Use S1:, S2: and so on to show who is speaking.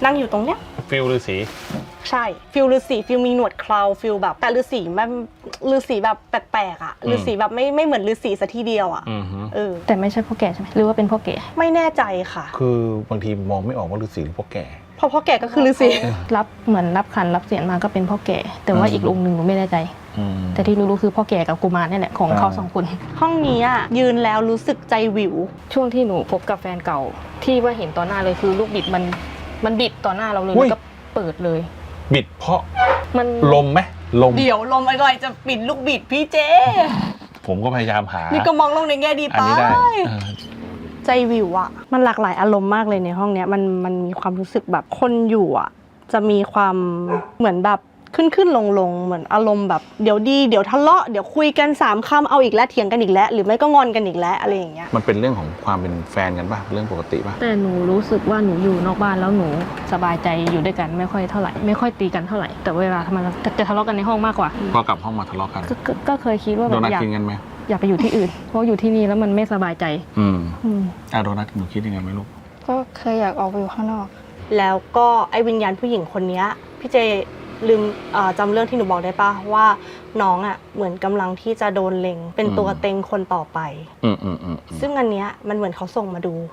S1: นั่งอยู่ตรงเนี้ย
S2: ฟิลฤาษี
S1: ใช่ฟิลฤาษีฟิลมีหนวดเคราฟิลแบบแต่ฤาษีมันฤาษีแบบแปลกๆอ่ะฤาษีแบบไม่เหมือนฤาษีซะทีเดียวอ่ะ
S3: แต่ไม่ใช่พ่อแก่ใช่ไหมหรือว่าเป็นพ่อแก่
S1: ไม่แน่ใจค่ะ
S2: คือบางทีมองไม่ออกว่าฤาษีหรือพ่อแก่
S1: เพราะพ่อแก่ก็คือฤาษี
S3: รับเหมือนรับขันรับเสียนมาก็เป็นพ่อแก่แต่ว่าอีกองค์หนึ่งหนูไม่แน่ใจแต่ที่รู้คือพ่อแก่กับกุมารนี่แหละของเขา2 คน
S1: ห้องนี้อ่ะยืนแล้วรู้สึกใจวิว
S3: ช่วงที่หนูพบกับแฟนเก่าที่ว่าเห็นต่อหน้าเลยคือลูกบิดมันบิดต่อหน้าเราเลยแล้วก็เปิดเลย
S2: บิดเพราะ
S3: มัน
S2: ลมไหมลม
S1: เดี๋ยวลมอะไรจะปิดลูกบิดพี่เจ
S2: ผมก็พยายามหา
S1: นี่ก็มองลงในแง่ดีไปใจวิวอะมันหลากหลายอารมณ์มากเลยในห้องเนี้ยมันมีความรู้สึกแบบคนอยู่อะจะมีความเหมือนแบบขึ้นลงเหมือนอารมณ์แบบเดี๋ยวดีเดี๋ยวทะเลาะเดี๋ยวคุยกัน3 คำเอาอีกแล้วเถียงกันอีกแล้วหรือไม่ก็งอนกันอีกแล้วอะไรอย่างเงี้ย
S2: มันเป็นเรื่องของความเป็นแฟนกันป่ะเรื่องปกติป่ะ
S3: แต่หนูรู้สึกว่าหนูอยู่นอกบ้านแล้วหนูสบายใจอยู่ด้วยกันไม่ค่อยเท่าไหร่ไม่ค่อยตีกันเท่าไหร่แต่เวลาทำไมจะทะเลาะกันในห้องมากกว่า
S2: พอกลับห้องมาทะเลาะกัน
S3: ก็เคยคิดว่าแบบอยากไปอยู่ที่อื่นเพราะอยู่ที่นี่แล้วมันไม่สบายใจ
S2: โดนัทหนูคิดยังไงไหมลูก
S4: ก็เคยอยากออกไปอยู่ข้างนอก
S1: แล้วก็ไอ้วิญญาณผู้หญิงคนนี้พี่เจลืมจำเรื่องที่หนูบอกได้ป่ะว่าน้องอ่ะเหมือนกำลังที่จะโดนเล็งเป็นตัวเต็งคนต่อไปซึ่งอันเนี้ยมันเหมือนเขาส่งมาดู